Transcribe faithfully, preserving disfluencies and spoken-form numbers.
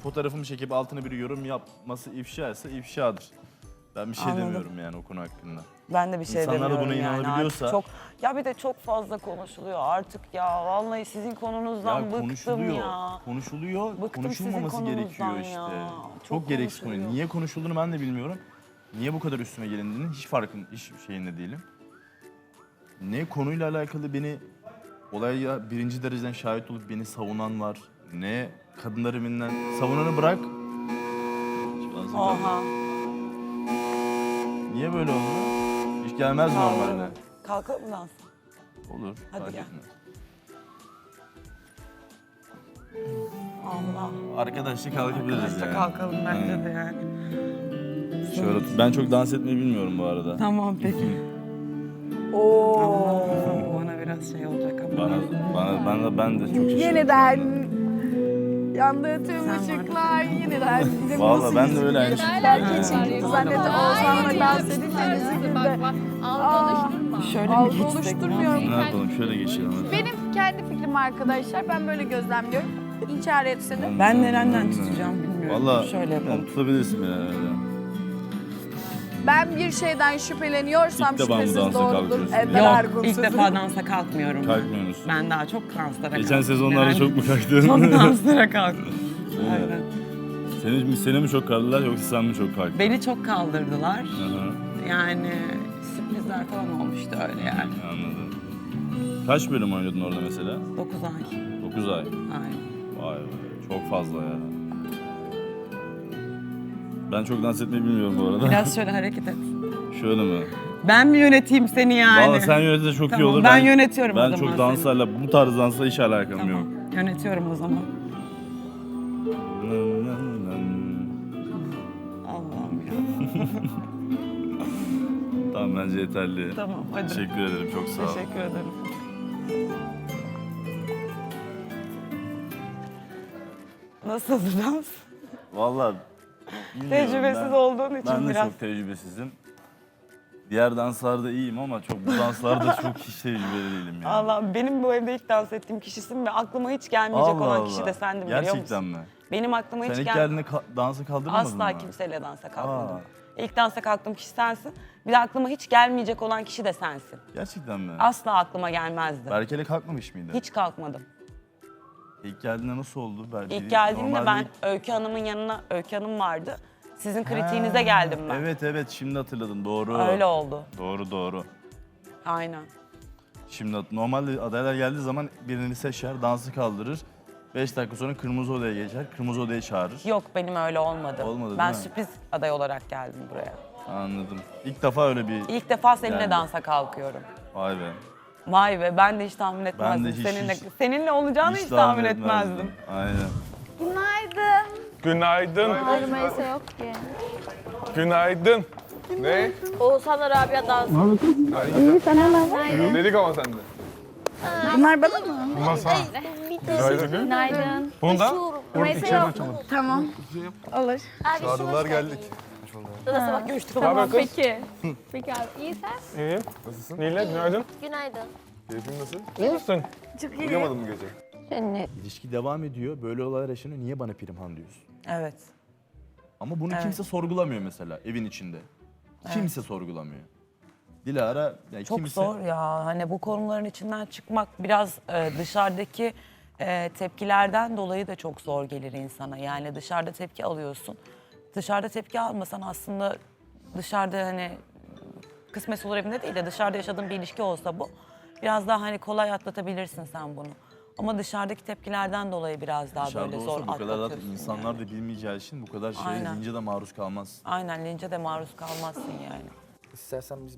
fotoğrafımı çekip altına bir yorum yapması ifşa ise ifşadır. Ben bir şey Anladım. demiyorum yani o konu hakkında. Ben de bir şey İnsanlar da demiyorum buna yani. inanabiliyorsa- Artık çok, ya bir de çok fazla konuşuluyor artık ya. Vallahi sizin konunuzdan Ya bıktım konuşuluyor, ya. konuşuluyor, Bıktım konuşulmaması sizin gerekiyor konunuzdan işte. ya. Çok, Çok gereksiz konu. konuşuluyor. Niye konuşulduğunu ben de bilmiyorum. Niye bu kadar üstüme gelindiğini hiç farkın, hiç şeyinde değilim. Ne konuyla alakalı beni olaya birinci dereceden şahit olup beni savunan var. Ne kadınlar evinden savunanı bırak. Oha. Niye böyle oldu? Hiç gelmez normalde. Kalkalım mı dans? Olur. Hadi fark gel. etmez. Allah. Arkadaşça kalkabiliriz Arkadaşça yani. kalkalım bence Evet. de yani. Şöyle, ben çok dans etmeyi bilmiyorum bu arada. Tamam peki. Oo. Bana biraz şey olacak ama. Bana, bana, ben de, ben de çok şaşırdım. Yeniden yandığı tüm Sen ışıklar yeniden. Bizim Valla nasıl ben de öyle aynı yüzükler şekilde. geçirdi zannettim. Oğuzhan'la dans edince üzüldüğümde. Şöyle mi Algı geçsek? oluşturmuyorum. Ne yapalım şöyle geçelim hadi. Benim kendi fikrim arkadaşlar. Ben böyle gözlemliyorum. İnkar etse de. Ben nereden tutacağım bilmiyorum. Valla Şöyle yapalım. tutabilirsin beni herhalde. Ben bir şeyden şüpheleniyorsam İlk defa mı şüphesiz dansa doğrudur. kalkıyorsun? Ender Yok, Argunsuz'um. ilk defa dansa kalkmıyorum. Kalkmıyor musun? Ben daha çok danslara Geçen kalktım. sezonlarda Yani çok mu kalktın? Çok danslara kalktım. Evet. Aynen. Seni, seni mi çok kaldırdılar yoksa sen mi çok kalktın? Beni çok kaldırdılar. Hı hı. Yani sürprizler falan olmuştu öyle yani. Anladım. Kaç bölüm oynadın orada mesela? dokuz ay. dokuz ay. Aynen. Vay be, çok fazla ya. Ben çok dans etmeyi bilmiyorum bu arada. Biraz şöyle hareket et. Şöyle mi? Ben mi yöneteyim seni yani? Valla sen yönetince çok iyi Tamam, olur. ben yönetiyorum o Ben zaman çok danslarla, bu tarz dansla hiç alakam yok. Tamam, yönetiyorum o zaman. Allah'ım ya. Tamam bence yeterli. Tamam, hadi. Teşekkür ederim, çok sağ ol. Teşekkür ederim. Nasıldı dans? Valla bilmiyorum, Tecrübesiz ben- olduğun için Ben de biraz. çok tecrübesizim. Diğer danslarda iyiyim ama çok bu danslarda çok hiç tecrübeli değilim yani. Allah, benim bu evde ilk dans ettiğim kişisin ve aklıma hiç gelmeyecek Allah olan Allah. kişi de sendin biliyor musun? Gerçekten mi? Benim aklıma Sen hiç ilk gel... geldiğinde ka- dansa kaldırmadın mı? Asla kimseyle dansa kalkmadım. Aa. İlk dansa kalktığım kişi sensin. Bir de aklıma hiç gelmeyecek olan kişi de sensin. Gerçekten mi? Asla aklıma gelmezdi. Berke'yle kalkmamış mıydı? Hiç kalkmadım. İlk geldiğinde nasıl oldu? Berke? İlk geldiğimde Normalde ben ilk- Öykü Hanım'ın yanına, Öykü Hanım vardı. Sizin kritiğinize Ha, geldim ben. Evet evet şimdi hatırladım doğru. Öyle oldu. Doğru doğru. Aynen. Şimdi hat- normalde adaylar geldiği zaman birini seçer, dansı kaldırır. Beş dakika sonra kırmızı odaya geçer, kırmızı odaya çağırır. Yok benim öyle olmadı. Olmadı, ben değil mi? sürpriz aday olarak geldim buraya. Anladım. İlk defa öyle bir... İlk defa seninle Yani. dansa kalkıyorum. Vay be. Vay be ben de hiç tahmin etmezdim. de hiç- seninle hiç- seninle olacağını hiç, tahmin etmezdim. Aynen. Günaydın. Günaydın. Rümeysa yok ki. Günaydın. Ne? Oğuzhan'la Rabia dans. Dedik ama sende. Bunlar bana mı? Masa. Günaydın. Günaydın. Bunda? Rümeysa yok. Tamam. Olur. Çağrılar geldik. Nasıl bak görüştük. Ne haber kız? Peki. Peki abi. İyi sen? İyi. Nasılsın? Nile günaydın. Günaydın. Keyfin nasıl? İyi misin? Çok iyi. Uyuyamadın mı gece? Seni. İlişki devam ediyor, böyle olaylar yaşanıyor. Niye bana Pirimhan diyorsun? Evet. Ama bunu Evet. kimse sorgulamıyor mesela evin içinde. Kimse sorgulamıyor. Dilara, yani Çok kimse... zor ya. Hani bu konuların içinden çıkmak biraz e, dışarıdaki e, tepkilerden dolayı da çok zor gelir insana. Yani dışarıda tepki alıyorsun. Dışarıda tepki almasan aslında dışarıda hani kısmet olur evinde değil de dışarıda yaşadığın bir ilişki olsa bu biraz daha hani kolay atlatabilirsin sen bunu. Ama dışarıdaki tepkilerden dolayı biraz daha Dışarıda böyle olsa zor bu kadar zaten atlatıyorsun. insanlar yani. da bilmeyeceği için bu kadar şeye Aynen. lince de maruz kalmaz. Aynen lince de maruz kalmazsın yani. İstersen biz